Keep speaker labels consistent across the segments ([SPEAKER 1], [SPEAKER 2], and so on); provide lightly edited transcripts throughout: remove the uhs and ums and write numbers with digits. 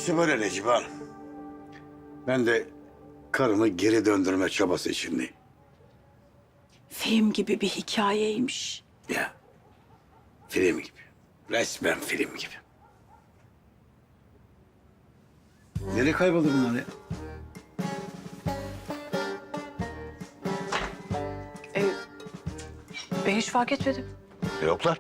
[SPEAKER 1] İşte böyle Necip Hanım. Ben de karımı geri döndürme çabası içindeyim.
[SPEAKER 2] Film gibi bir hikayeymiş.
[SPEAKER 1] Ya, film gibi. Resmen film gibi. Nereye kayboldu bunlar ya?
[SPEAKER 2] Ben hiç fark etmedim.
[SPEAKER 1] Yoklar.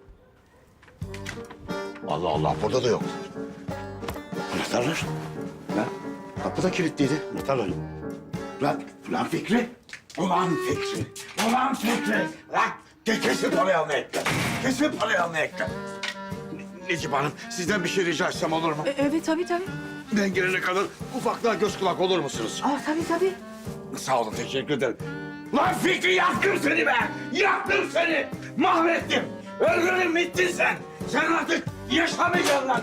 [SPEAKER 1] Allah Allah, burada da yok. Anahtarlar. Lan, kapı da kilitliydi. Anahtarlar yok. Lan Fikri. Ulan Fikri. Ulan Fikri. Lan, kesin parayı almaya ekler. Kesin parayı almaya ekler. Necip Hanım, sizden bir şey rica etsem olur mu?
[SPEAKER 2] Evet tabii.
[SPEAKER 1] Ben gelene kadar ufaklığa göz kulak olur musunuz?
[SPEAKER 2] Tabii.
[SPEAKER 1] Sağ olun, teşekkür ederim. Lan Fikri, yaktım seni be! Yaktım seni! Mahvettim! Öldürdün, bittin sen! Sen artık yaşamayacaksın lan!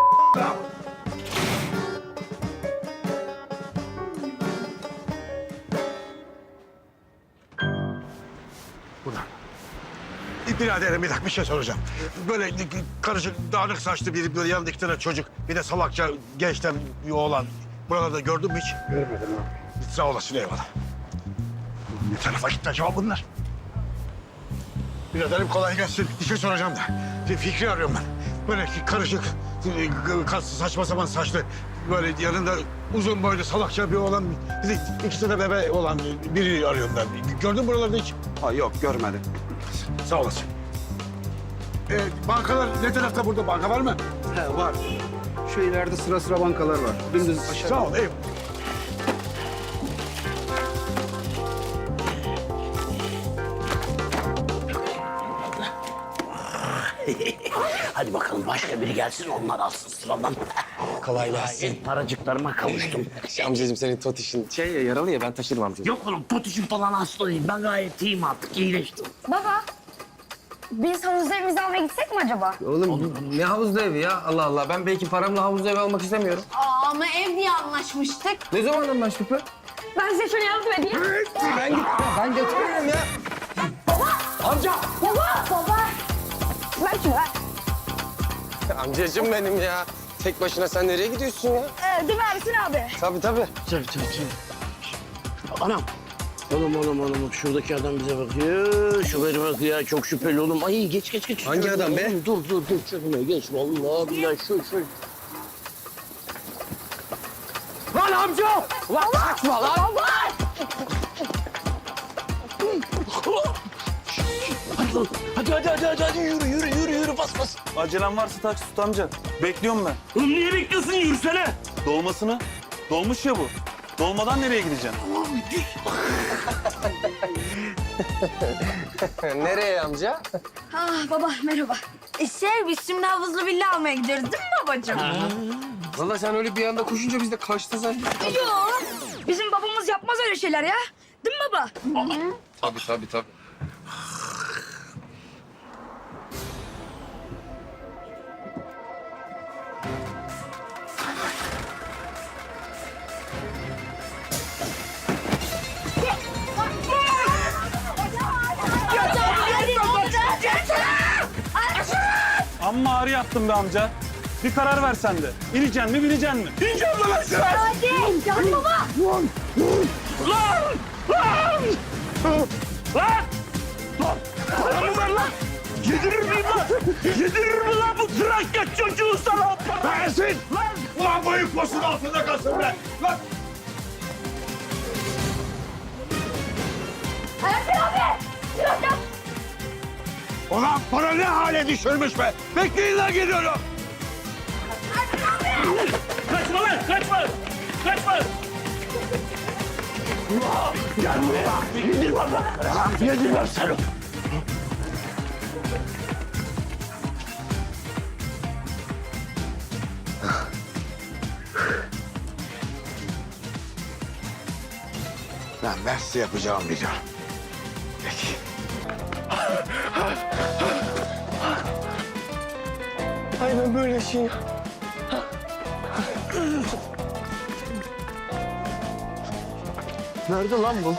[SPEAKER 1] Buradan. Biraderim, bir dakika bir şey soracağım. Böyle karışık, dağınık saçlı biri, böyle yanında iki tane çocuk, bir de salakça gençten bir oğlan. Buralarda gördün mü hiç? Görmedim abi. Sağ olasın, eyvallah. Ne tarafa gitti acaba bunlar? Biraderim kolay gelsin. Bir şey soracağım da. Fikri arıyorum ben. Böyle karışık, saçma sapan saçlı, böyle yanında uzun boylu salakça bir oğlan, bir de iki tane bebe olan biri arıyorum ben. Gördün mü buralarda hiç?
[SPEAKER 3] Ha, yok görmedim.
[SPEAKER 1] Sağ olasın. Bankalar ne tarafta, burada banka var mı?
[SPEAKER 3] He, var. Şu ileride sıra bankalar var. Dümdüz aşağı.
[SPEAKER 1] Sağ ol, eyvallah.
[SPEAKER 4] Hadi bakalım başka biri gelsin onlar alsın sıradan.
[SPEAKER 5] Kolay gelsin.
[SPEAKER 4] Paracıklarıma kavuştum.
[SPEAKER 5] Amcacığım senin tot işin yaralı ya ben taşırım amcacığım.
[SPEAKER 4] Yok oğlum potuşum falan hasta değil. Ben gayet iyiyim artık iyileştim.
[SPEAKER 6] Baba, biz havuzda evimizi almaya gitsek mi acaba?
[SPEAKER 5] Oğlum ne havuzlu evi ya? Allah Allah ben belki paramla havuzlu ev almak istemiyorum.
[SPEAKER 6] Ama ev diye anlaşmıştık.
[SPEAKER 5] Ne zaman anlaştık be?
[SPEAKER 6] Ben size şöyle yardım edeyim.
[SPEAKER 5] Ben götürüyorum ya.
[SPEAKER 6] Baba! Ver şunu ver.
[SPEAKER 5] Amcacığım benim ya. Tek başına sen nereye gidiyorsun ya?
[SPEAKER 6] Değil mi Ersin abi?
[SPEAKER 5] Tabii.
[SPEAKER 4] Tabii. Anam. Oğlum şuradaki adam bize bakıyor. Şu beni bakıyor çok şüpheli oğlum. Ay geç.
[SPEAKER 5] Hangi adam be?
[SPEAKER 4] Oğlum, dur çökme geç vallahi billahi şu. Lan amca! Lan kaçma lan! Hadi yürü bas.
[SPEAKER 7] Acelen varsa taksi tut amca. Bekliyorum ben.
[SPEAKER 4] Oğlum niye bekliyorsun yürüsene?
[SPEAKER 7] Dolmasını. Dolmuş ya bu. Dolmadan nereye gideceksin?
[SPEAKER 5] Nereye amca?
[SPEAKER 6] Baba merhaba. Biz şimdi havuzlu villa almaya gidiyoruz değil mi babacığım?
[SPEAKER 5] Vallahi sen öyle bir anda koşunca biz de kaçtı zaten.
[SPEAKER 6] Yok. Bizim babamız yapmaz öyle şeyler ya. Değil mi baba?
[SPEAKER 5] Tabii.
[SPEAKER 7] Amma ağrı yaptın be amca. Bir karar ver sen de. İneceksin mi, bineceksin mi? İneceğim lan aşağı!
[SPEAKER 6] Hadi. Can baba.
[SPEAKER 4] Paramı ver lan! Yedirir mi lan bu Trakya çocuğu sana?
[SPEAKER 1] Versin! Lan! Ulan boyun posun altında kalsın be! Lan!
[SPEAKER 6] Ersin abi. Biraz yap.
[SPEAKER 1] Ulan para ne hale düşürmüş be! Bekleyin lan, geliyorum!
[SPEAKER 4] Kaçma lan kaçma! Gel buraya! Yedirmem seni!
[SPEAKER 1] Lan ben size yapacağımı biliyorum. Peki.
[SPEAKER 5] Aynen böyle şey. Nerede lan bu?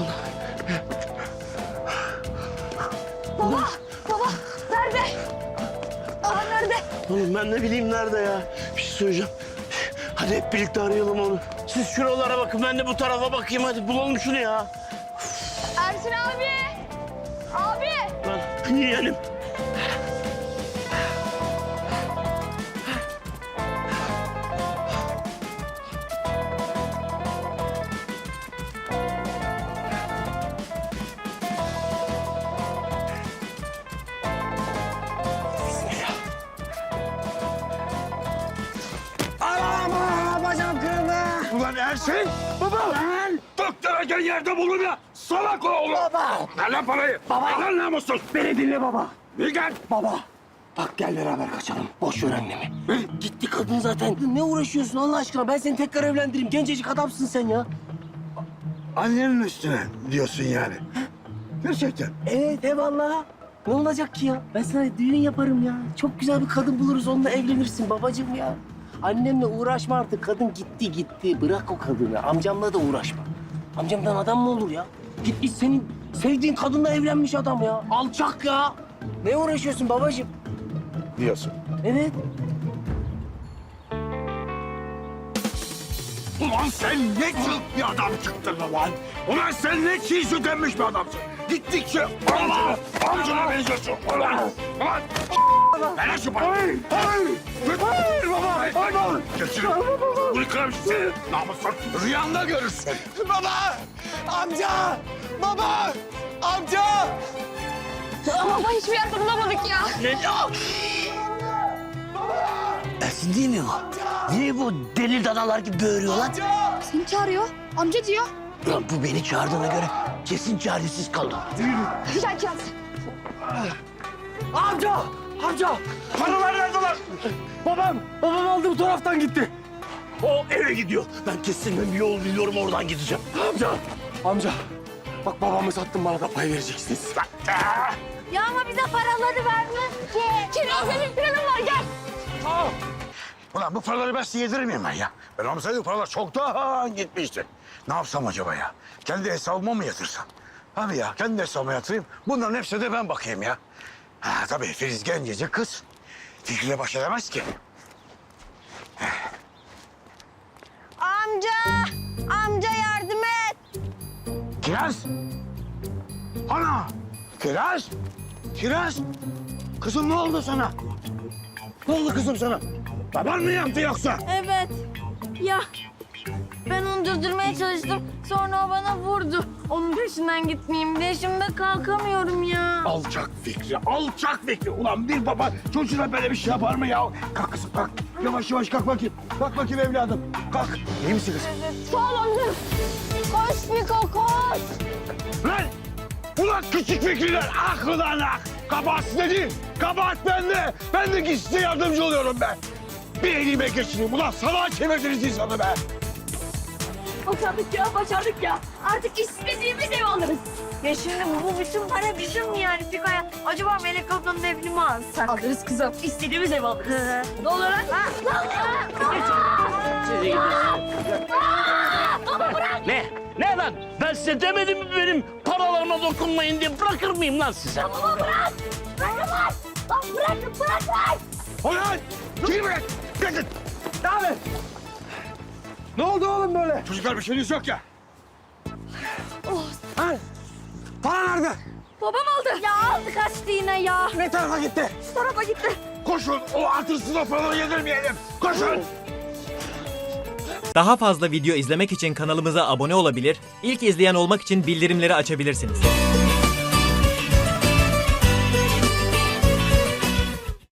[SPEAKER 6] Baba nerede? Nerede?
[SPEAKER 4] Oğlum ben ne bileyim nerede ya? Bir şey söyleyeceğim. Hadi hep birlikte arayalım onu. Siz şuralara bakın, ben de bu tarafa bakayım. Hadi bulalım şunu ya.
[SPEAKER 6] Ersin abi. Abi.
[SPEAKER 4] Lan yeğenim.
[SPEAKER 1] Ulan Ersin! Baba! Lan! Doktora yerde bulun ya! Salak oğlum! Baba! Ver lan parayı! Baba! Ver lan namussuz!
[SPEAKER 4] Beni dinle baba.
[SPEAKER 1] Bir gel!
[SPEAKER 4] Baba. Bak gel beraber kaçalım. Boş ver annemi. Gitti kadın zaten. Ne uğraşıyorsun Allah aşkına? Ben seni tekrar evlendireyim. Gencecik adamsın sen ya.
[SPEAKER 1] Annenin üstüne diyorsun yani. Gerçekten.
[SPEAKER 4] Evet eyvallah. Ne olacak ki ya? Ben sana düğün yaparım ya. Çok güzel bir kadın buluruz, onunla evlenirsin babacığım ya. Annemle uğraşma artık. Kadın gitti. Bırak o kadını. Amcamla da uğraşma. Amcamdan adam mı olur ya? Gitmiş senin sevdiğin kadınla evlenmiş adam ya. Alçak ya. Ne uğraşıyorsun babacığım?
[SPEAKER 1] Diyorsun.
[SPEAKER 4] Evet.
[SPEAKER 1] Ulan sen ne çılk bir adam çıktın lan! Ulan sen ne çiğ süt emmiş bir adamsın! Gittikçe amcana benziyorsun! Ulan! Ulan! Ver şu parayı! Hayır! Hayır baba! Hayır! Geçin! Bunu kırarım seni! Namussuz! Rüyanda görürsün!
[SPEAKER 5] Baba! Amca! Baba! Amca!
[SPEAKER 6] Baba hiçbir yerde bulamadık ya.
[SPEAKER 4] Ersin değil mi bu? Niye bu deli danalar gibi böğürüyor lan?
[SPEAKER 6] Seni çağırıyor. Amca diyor.
[SPEAKER 4] Lan bu beni çağırdığına göre kesin çaresiz kaldı.
[SPEAKER 6] Güzel çağır.
[SPEAKER 4] Amca! Paralar nerede lan? Babam aldı bu taraftan gitti. O eve gidiyor. Ben kesin bir yol biliyorum, oradan gideceğim.
[SPEAKER 5] Amca! Bak babamı sattın, bana da pay vereceksiniz.
[SPEAKER 6] Ya ama bize paraları vermez ki. Kiraz benim planım var gel.
[SPEAKER 1] Ulan bu paraları ben size yedirir miyim ben ya? Ben olmasaydı paralar çoktan gitmişti. Ne yapsam acaba ya? Kendi hesabıma mı yatırsam? Abi ya kendi hesabıma yatırayım. Bunların hepsine de ben bakayım ya. Ha, tabii Filiz gencecik kız. Fikriyle baş edemez ki.
[SPEAKER 6] Amca yardım et.
[SPEAKER 1] Kiraz! Ana! Kiraz! Kiraz! Kızım ne oldu sana? Ne oldu kızım sana? Baban mı yaptı yoksa?
[SPEAKER 6] Evet. Ya ben onu durdurmaya çalıştım. Sonra o bana vurdu. Onun peşinden gitmeyeyim diye şimdi kalkamıyorum ya.
[SPEAKER 1] Alçak Fikri, alçak Fikri. Ulan bir baba çocuğuna böyle bir şey yapar mı ya? Kalk kızım kalk. Yavaş yavaş kalk bakayım. Kalk bakayım evladım. Kalk. İyi misin kızım?
[SPEAKER 6] Sağ ol amca. Koş Fiko koş.
[SPEAKER 1] Lan! Ulan küçük Fikriler aklından ak. Kabahat sizde değil. Kabahat bende. Ben de size yardımcı oluyorum ben. Bir elime geçireyim. Ulan salağa çevirdiniz insanı be.
[SPEAKER 6] Başardık ya. Artık istediğimiz ev alırız. Ya şimdi bu bütün para bizim yani Fiko'ya. Acaba Melek ablanın evini mi alsak? Alırız kızım. İstediğimiz ev alırız. Ne olur lan?
[SPEAKER 4] Ne lan? Ben size demedim mi benim paralarıma dokunmayın diye? Bırakır mıyım lan size?
[SPEAKER 6] Baba bırak. Bırak. Lan bırak lan.
[SPEAKER 1] Ulan! Kim bırak? Bırakın.
[SPEAKER 3] Ne oldu oğlum böyle?
[SPEAKER 1] Çocuklar bir şeyiniz yok ya.
[SPEAKER 3] Para nerede?
[SPEAKER 6] Babam aldı. Ya aldı kaçtı yine ya.
[SPEAKER 3] Ne tarafa gitti?
[SPEAKER 6] Şu tarafa gitti.
[SPEAKER 1] Koşun o artırsız o paraları yedirmeyelim. Koşun.
[SPEAKER 8] Daha fazla video izlemek için kanalımıza abone olabilir, ilk izleyen olmak için bildirimleri açabilirsiniz.